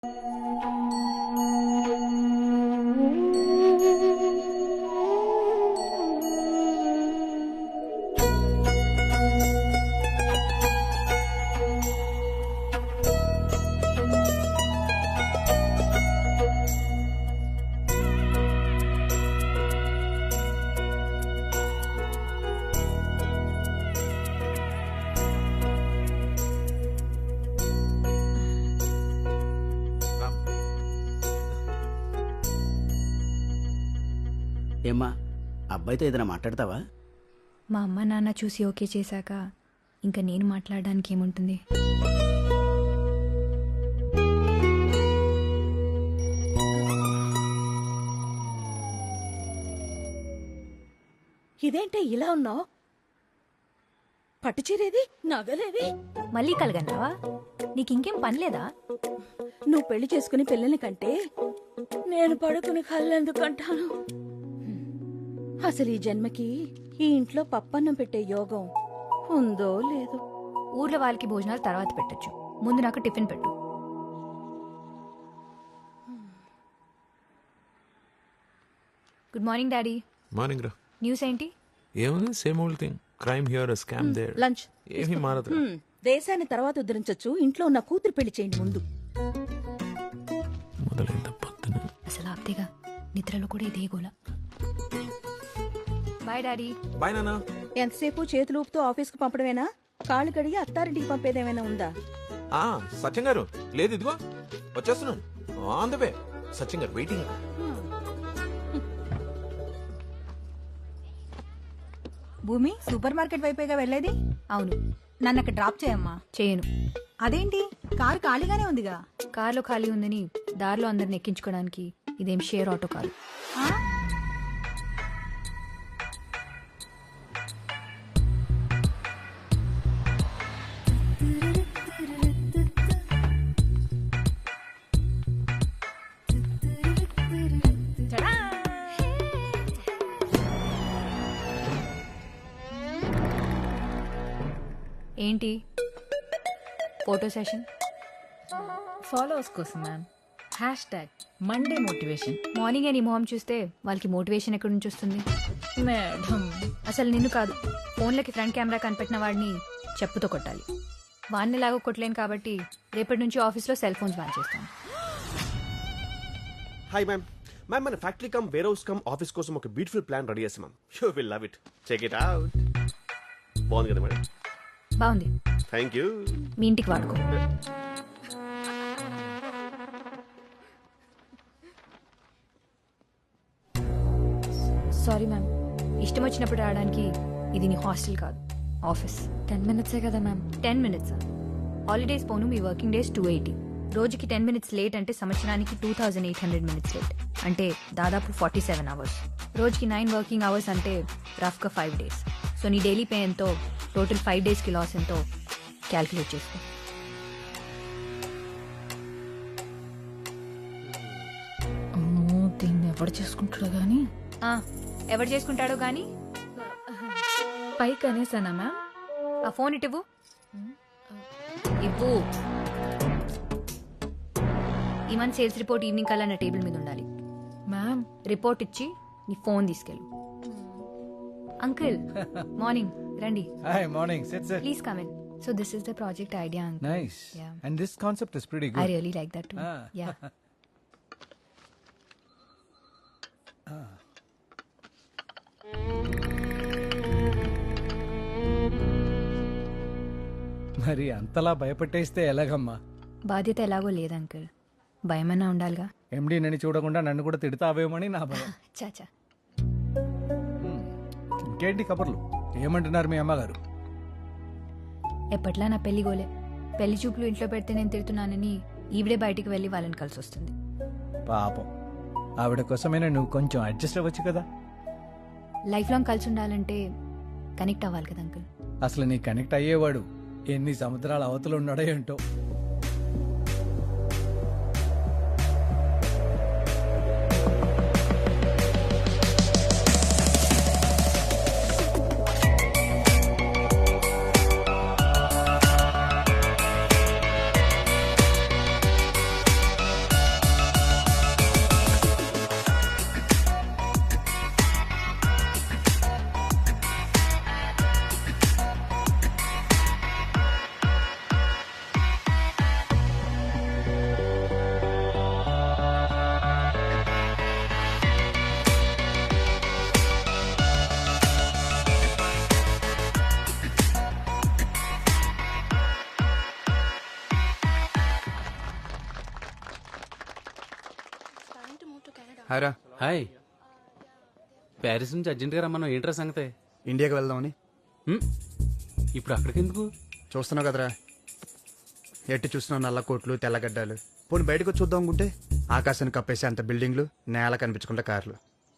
ఏమ్మా, అబ్బాయితో ఏదైనా మాట్లాడతావా? మా అమ్మ నాన్న చూసి ఓకే చేశాక ఇంకా నేను మాట్లాడడానికి ఏముంటుంది? ఇదేంటే ఇలా ఉన్నావు? పట్టుచీరేది, నగలేవి? మళ్ళీ కలగన్నావా? నీకు ఇంకేం పని లేదా? నువ్వు పెళ్లి చేసుకుని పిల్లల్ని కంటే నేను పడుకుని కళ్ళెందుకంటాను? అసలు ఈ జన్మకి ఈ ఇంట్లో పప్పన్నం పెట్టే యోగం ఉందో లేదో. ఊర్లో వాళ్ళకి భోజనాలు తర్వాత పెట్టొచ్చు, ముందు నాకు టిఫిన్ పెట్టు. Good morning daddy. మార్నింగ్ రా. న్యూస్ ఏంటి? ఏముంది, same old thing. Crime here, scam there. లంచ్ ఏమీ మారదు. దేశాన్ని తర్వాత ఉద్ధరించొచ్చు, ఇంట్లో ఉన్న కూతురు పెళ్లి చేయండి ముందు. మొదలైంద పొద్దున. అసలు ఆప్తేగా నిద్రలో కూడా ఇదే గోల. Bye daddy. బాయ్ నాన్న. ఎంతసేపు చేతులు ఊపుతూ ఆఫీస్కు పంపడమేనా? కాళ్ళు కడిగి అత్తారింటికి పంపేదేమైనా ఉందా? సత్యం గారు లేదు, ఇదిగో వచ్చేస్తున్నాను. On the way. సత్యం గారు వెయిటింగ్. భూమి సూపర్ మార్కెట్ వైపేగా వెళ్ళేది? అవును. నన్ను అక్కడ డ్రాప్ చేయమ్మా. చేయను. అదేంటి, కారు ఖాళీగానే ఉందిగా? కార్లో ఖాళీ ఉందని దారిలో అందరిని ఎక్కించుకోవడానికి ఇదేం షేర్ ఆటో కాదు. ఆ? ఏంటి ఫోటో సెషన్? ఫాలోవర్స్ కోసం మ్యామ్. #Monday motivation. మార్నింగ్ అని మొహం చూస్తే వాళ్ళకి మోటివేషన్ ఎక్కడి నుంచి వస్తుంది? మేడం, అసలు నిన్ను కాదు, ఫోన్లకి ఫ్రంట్ కెమెరా కనిపెట్టిన వాడిని చెప్పుతో కొట్టాలి. వాడిని లాగా కొట్టలేను కాబట్టి రేపటి నుంచి ఆఫీస్లో సెల్ ఫోన్స్ బ్యాన్ చేస్తాను. Hi ma'am. మ్యామ్, మన factory cum warehouse cum office కోసం ఒక బ్యూటిఫుల్ ప్లాన్ రెడీ చేస్తాం ma'am. You will love it. Check it out. బాగుంది కదా మేడం? బాగుంది. Thank you. మీ ఇంటికి వాడుకో. సారీ మ్యామ్, ఇష్టం వచ్చినప్పుడు రావడానికి ఇది నీ హాస్టల్ కాదు, ఆఫీస్. 10 minutes కదా మ్యామ్? 10 minutes. హాలిడేస్ పోను మీ వర్కింగ్ డేస్ 280. రోజుకి 10 minutes లేట్ అంటే సంవత్సరానికి 2800 minutes లేట్, అంటే దాదాపు 47 hours. రోజుకి 9 వర్కింగ్ అవర్స్ అంటే రఫ్గా 5 days. సో నీ డైలీ పే ఎంతో, టోటల్ 5 daysకి లాస్ ఎంతో క్యాల్కులేట్ చేసుకో. అమ్మో, దీన్ని ఎవడు చేసుకుంటాడు గాని? ఎవరు చేసుకుంటాడో గానీ పైకి అనేసానా మ్యామ్? ఆ ఫోన్ ఇటు ఇవ్వు. ఈ మంత్ సేల్స్ రిపోర్ట్ ఈవినింగ్ కల్లా నా టేబుల్ మీద ఉండాలి. మ్యామ్, రిపోర్ట్ ఇచ్చి నీ ఫోన్ తీసుకెళ్ళు. అంకుల్ మార్నింగ్ రండి. Hi, morning. Sit, sit. Please come in. So this is the project idea uncle. Nice. Yeah. And this concept is pretty I good. Really like that too. Ah. Yeah. మరి అంతలా భయపెట్టేస్తే ఎలాగమ్మా? బాధ్యత ఎలాగో లేదు uncle, భయమన్నా ఉండాలిగా. ఎండి నన్ను చూడకుండా నన్ను కూడా తిడతావేమని నా భయం. చాచా. ఇంకేంటి కబుర్లు? ఏమంటున్నారు మీ అమ్మగారు? ఎప్పట్లా నా పెళ్లి గోలే. పెళ్లి చూపులు ఇంట్లో పెడితే నేను తిడుతున్నానని ఈవిడే బయటికి వెళ్ళి వాళ్ళని కలిసి వస్తుంది. పాపం, ఆవిడ కోసమైనా నువ్వు కొంచెం అడ్జస్ట్ అవ్వచ్చు కదా. లైఫ్ లాంగ్ కలిసి ఉండాలంటే కనెక్ట్ అవ్వాలి కదా అంకుల్. అసలు నీ కనెక్ట్ అయ్యేవాడు ఎన్ని సముద్రాల అవతలు ఉన్నాడో ఏంటో. హాయ్ రా. హాయ్. ప్యారిస్ నుంచి అర్జెంట్గా రమ్మన్నాం, ఏంట్రా సంగతే? ఇండియాకి వెళ్దామని. ఇప్పుడు అక్కడికి ఎందుకు? చూస్తున్నావు కదరా, ఎట్టి చూస్తున్నావు నల్ల కోట్లు తెల్లగడ్డలు. పోనీ బయటకు వచ్చి చూద్దాం అనుకుంటే ఆకాశాన్ని కప్పేసే అంత బిల్డింగ్లు, నేల కనిపించకుండా కార్లు.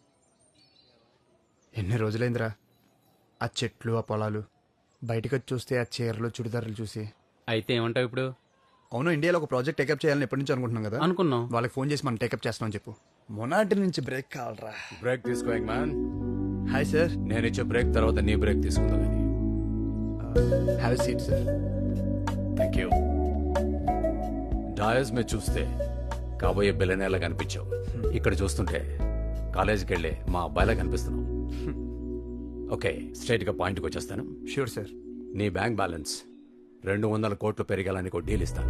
ఎన్ని రోజులైందిరా ఆ చెట్లు ఆ పొలాలు. బయటకు వచ్చి చూస్తే ఆ చీరలు చుడిదారులు చూసి. అయితే ఏమంటావు ఇప్పుడు? అవును, ఇండియాలో ఒక ప్రాజెక్ట్ టేకప్ చేయాలని ఎప్పటి నుంచి అనుకుంటున్నాం కదా. అనుకున్నాం. వాళ్ళకి ఫోన్ చేసి మనం టేకప్ చేస్తామని చెప్పు. మొనాటి నుంచి బ్రేక్ కావాలరా. బ్రేక్ తీసుకో మ్యాన్. Hi sir. నేను ఇచ్చే బ్రేక్ తర్వాత నీ బ్రేక్ తీసుకుందాం కానీ. Have seat sir. Thank you. Dais మీద చూస్తే కాబోయే బిల్లనేలా కనిపించావు, ఇక్కడ చూస్తుంటే కాలేజీకి వెళ్ళే మా అబ్బాయిలా కనిపిస్తున్నావు. ఓకే, స్ట్రైట్గా పాయింట్కి వచ్చేస్తాను. Sure sir. నీ బ్యాంక్ బ్యాలెన్స్ 200 కోట్లు పెరిగాలని ఒక డీల్ ఇస్తాను.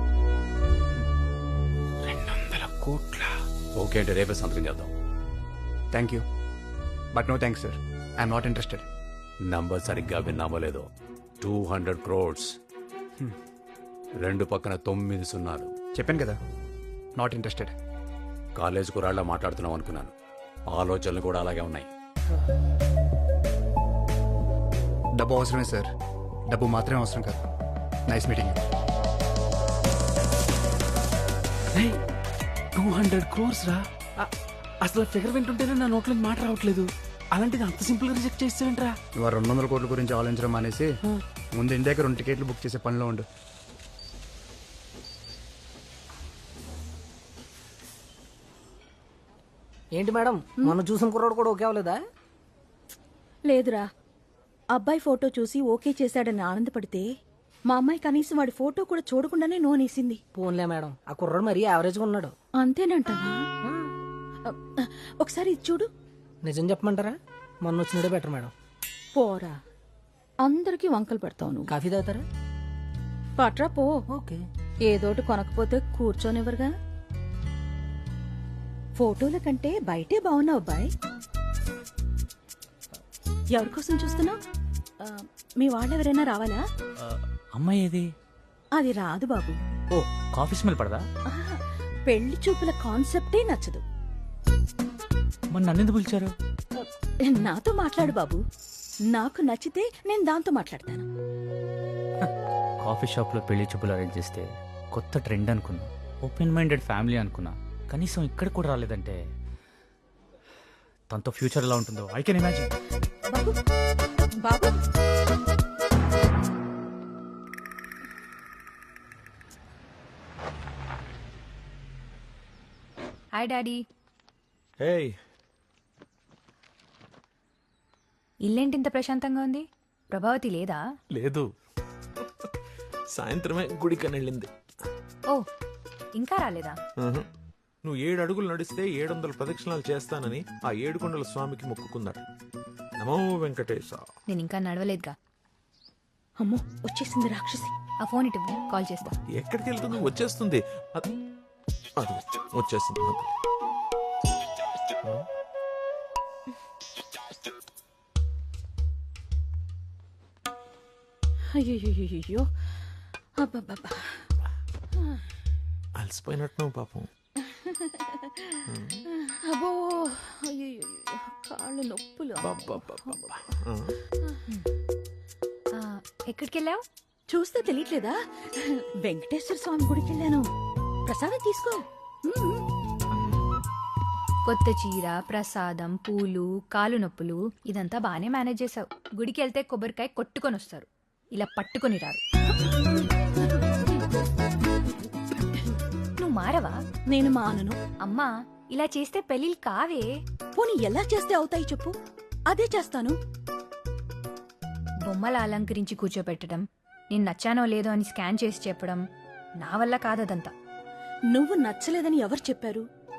200 కోట్ల? ఓకే అంటే రేపే సంతకం చేద్దాం. Thank you but no thanks sir. I'm not interested. Number సరిగ్గా విన్నామో లేదో, 200 crores. 2 పక్కన 9 సున్నాలు. చెప్పాను కదా, నాట్ ఇంట్రెస్టెడ్. కాలేజ్ కురాళ్ళ మాట్లాడుతున్నాం అనుకున్నాను, ఆలోచనలు కూడా అలాగే ఉన్నాయి. డబ్బు అవసరమే సార్, డబ్బు మాత్రమే అవసరం కాదు. Nice meeting. 200 crores రా. అసలు ఫిగర్ వింటుంటేనే నా నోట్లో మాట రావట్లేదు. అలాంటిది అంత సింపుల్ గా రిజెక్ట్ చేస్తావేంట్రా? ఇవాళ 200 కోట్ల గురించి ఆలోచించడం మానేసి ముందు ఇండియాకి 2 టికెట్లు బుక్ చేసే పనిలో ఉండు. ఏంటి మేడం, మొన్న చూసిన కుర్రాడు కూడా ఓకే అవ్వలేదా? లేదురా, అబ్బాయి ఫోటో చూసి ఓకే చేశాడని ఆనందపడితే మా అమ్మాయి కనీసం వాడి ఫోటో కూడా చూడకుండానే నోనేసింది. పోన్లే మేడం, ఆ కుర్రాడు మరీ యావరేజ్గా ఉన్నాడు. అంతేనంటావా? ఒకసారి ఇది చూడు. నిజం చెప్పమంటారా, మొన్న వచ్చినడే బెటర్ మేడం. పోరా, అందరికీ వంకలు పెడతావు నువ్వు. కాఫీ తాగుతారా? పట్రా పో. ఓకే. ఏదోటి కొనకపోతే కూర్చోనివ్వరుగా. ఫోటోల కంటే బయటే బాగున్నావు అబ్బాయి. ఎవరి కోసం చూస్తున్నావు? మీ వాళ్ళెవరైనా రావాలా? అమ్మాయి ఏది? అది రాదు బాబు. ఓ, కాఫీ స్మెల్ పడదా? ఆహా, పెళ్లి చూపుల కాన్సెప్టే నచ్చదు. మరి నన్నెందుకు పిలిచారు? నాతో మాట్లాడు బాబు, నాకు నచ్చితే నేను దాంతో మాట్లాడతాను. కాఫీ షాప్లో పెళ్లి చూపులు అరేంజ్ చేస్తే కొత్త ట్రెండ్ అనుకున్నా, ఓపెన్ మైండెడ్ ఫ్యామిలీ అనుకున్నా. కనీసం ఇక్కడ కూడా రాలేదంటే తనతో ఫ్యూచర్ ఎలా ఉంటుందో ఐ కెన్ ఇమాజిన్. బాబు బాబు, హాయ్ డాడీ. హే, ఇల్లేంటి ఇంత ప్రశాంతంగా ఉంది? ప్రభావతి లేదా? లేదు, సాయంత్రమే గుడికని వెళ్ళింది. ఓ, ఇంకా రాలేదా? నువ్వు 7 అడుగులు నడిస్తే 700 ప్రదక్షిణాలు చేస్తానని ఆ 7 కొండల స్వామికి మొక్కుకున్నాడు. నమో వెంకటేశ. నేను ఇంకా నడవలేదుగా. అమ్మో వచ్చేసింది రాక్షసి. ఆ ఫోన్ ఇటు కాల్ చేస్తా. ఎక్కడికి వెళ్తుంది? వచ్చేస్తుంది. అది వచ్చేసింది. అయ్యో అబ్బబ్బబ్బా, అలసిపోయినట్టు పాపం. అబ్బో అయ్యో, కాళ్ళు నొప్పులు. ఎక్కడికి వెళ్ళావు? చూస్తే తెలియట్లేదా? వెంకటేశ్వర స్వామి గుడికి వెళ్ళాను. ప్రసాదం తీసుకో. కొత్త చీర, ప్రసాదం, పూలు, కాలు నొప్పులు, ఇదంతా బానే మేనేజ్ చేసావు. గుడికి వెళ్తే కొబ్బరికాయ కొట్టుకొని వస్తారు, ఇలా పట్టుకొని రారు. నువ్వు మారవా? నేను మానను. అమ్మా, ఇలా చేస్తే పెళ్ళిళ్ళు కావే. పోనీ ఎలా చేస్తే అవుతాయి చెప్పు, అదే చేస్తాను. బొమ్మల అలంకరించి కూర్చోపెట్టడం, నేను నచ్చానో లేదో అని స్కాన్ చేసి చెప్పడం నా వల్ల కాదదంతా. నువ్వు నచ్చలేదని ఎవరు చెప్పారు?